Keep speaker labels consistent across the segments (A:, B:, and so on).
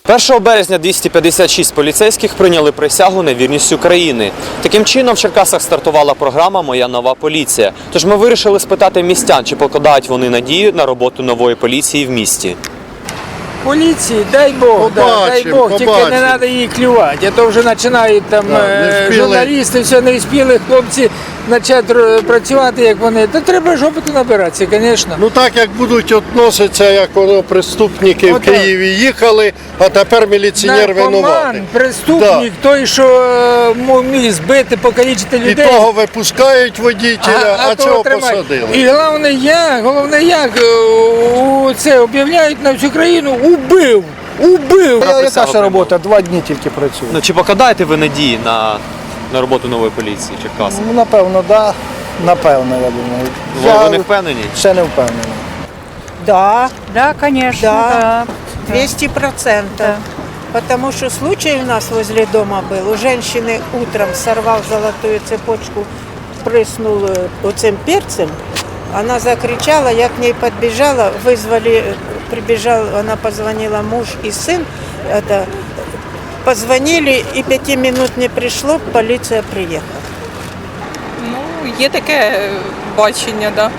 A: 1 березня 256 поліцейських прийняли присягу на вірність Україні. Таким чином в Черкасах стартувала програма «Моя нова поліція». Тож ми вирішили спитати містян, чи покладають вони надію на роботу нової поліції в місті.
B: Поліції, дай Бог, дай Бог, тільки не треба її клювати, а то вже починають там журналісти, все не встигли хлопці почати працювати, як вони. То треба ж опиту набиратися, звісно.
C: Ну так, як будуть відноситися, як воно преступники в Києві їхали, а тепер міліціонер винуватий.
B: Наркоман, преступник, той, що міг збити, покалічити людей.
C: І того випускають водителя, а цього посадили.
B: І головне як, це об'являють на всю країну, убив.
D: Яка ще робота? 2 дні тільки працюю.
A: Ну, чи покладаєте ви надії на роботу нової поліції Черкасів?
D: Ну, напевно, да. Напевно, я думаю.
A: Ви не впевнені?
D: Ще не впевнений.
E: Да,
F: конечно,
E: да, 200%. Потому что случай у нас возле дома был. У женщины утром сорвал золотую цепочку, прыснул этим перцем. Она закричала, я к ней подбежала, прибежал, она позвонила муж и сын. Позвонили, и 5 минут не пришло, полиция приехала.
F: Ну, є таке бачення, да.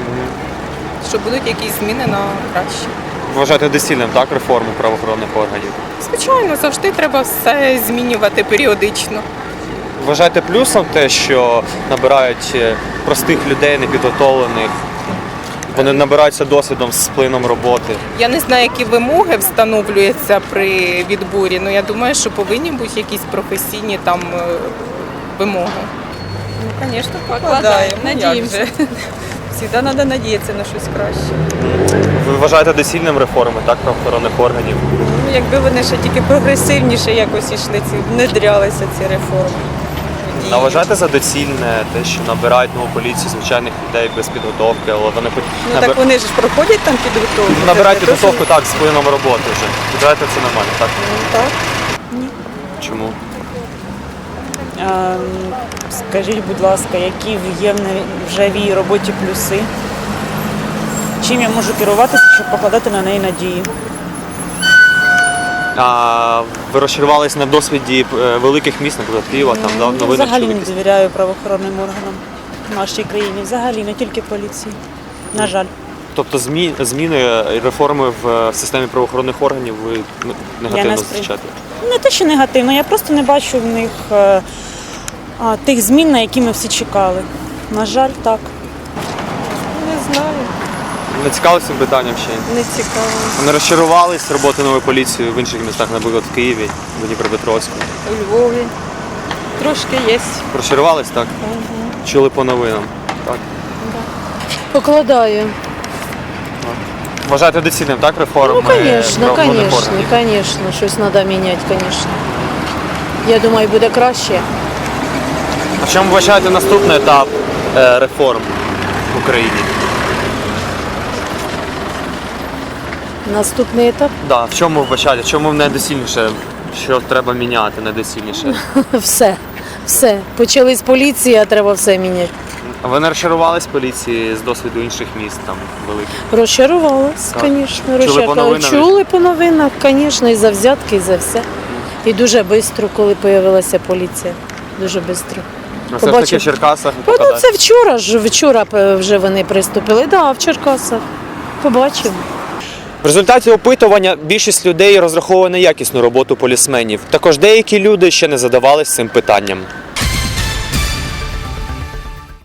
F: Що будуть якісь зміни на краще.
A: Вважаєте доцільним, так, реформу правоохоронних органів?
F: Звичайно, завжди треба все змінювати періодично.
A: Вважаєте плюсом те, що набирають простих людей, непідготовлених, вони набираються досвідом з плином роботи?
F: Я не знаю, які вимоги встановлюються при відборі, але я думаю, що повинні бути якісь професійні там вимоги. Ну, звісно, покладаємо. Надіємося. Завжди треба надіятися на щось краще.
A: Ви вважаєте доцільним реформи, так, правоохоронних органів?
G: Ну, якби вони ще тільки прогресивніше якось йшли, внедрялися ці реформи.
A: А вважаєте за доцільне те, що набирають нову поліцію звичайних людей без підготовки, але вони
G: Ну так вони ж проходять там підготовку.
A: набирають підготовку так, з плином роботи вже. Вважаєте, це нормально, так?
G: Так.
A: Чому?
H: Скажіть, будь ласка, які є вже в її роботі плюси? Чим я можу керуватися, щоб покладати на неї надії?
A: А ви розчарувалися на досвіді великих міст, наприклад, Києва, там, да, новинних
H: Взагалі не
A: чоловіків?
H: довіряю правоохоронним органам в нашій країні. Взагалі, не тільки поліції. На жаль.
A: Тобто зміни і реформи в системі правоохоронних органів ви негативно зустрічаєте?
H: Не те, що негативно, я просто не бачу в них тих змін, на які ми всі чекали. На жаль, так.
G: Не знаю,
A: Не цікавилися цим питанням ще?
G: не цікаво.
A: Не розчарувались роботи нової поліції в інших містах, наприклад, в Києві, в Дніпропетровську?
G: У Львові трошки є.
A: Розчарувались, так? Чули по новинам, так?
I: Покладаю.
A: Вважаєте доцільним, так, реформи?
I: Ну, конечно,
A: правоохоронних органів?
I: конечно, щось треба міняти, конечно. Я думаю, буде краще.
A: А в чому вважаєте наступний етап реформ в Україні?
I: Наступний етап
A: Да, в чому вбачаєте? В чому найдоцільніше? Що треба міняти найдоцільніше?
I: все. Почали з поліції, а треба все міняти.
A: А ви не розчарувались поліції з досвіду інших міст там великих?
I: Розчарувалась,
A: Так.
I: звісно.
A: Чули по новинам?
I: Чули по новинах, звісно, і за взятки, і за все. І дуже швидко, коли з'явилася поліція. Дуже швидко.
A: А все ж таки в Черкасах
I: Ну,
A: покладають?
I: це вчора вже вони приступили. Так, в Черкасах. Побачимо.
A: В результаті опитування більшість людей розраховує на якісну роботу полісменів. Також деякі люди ще не задавались цим питанням.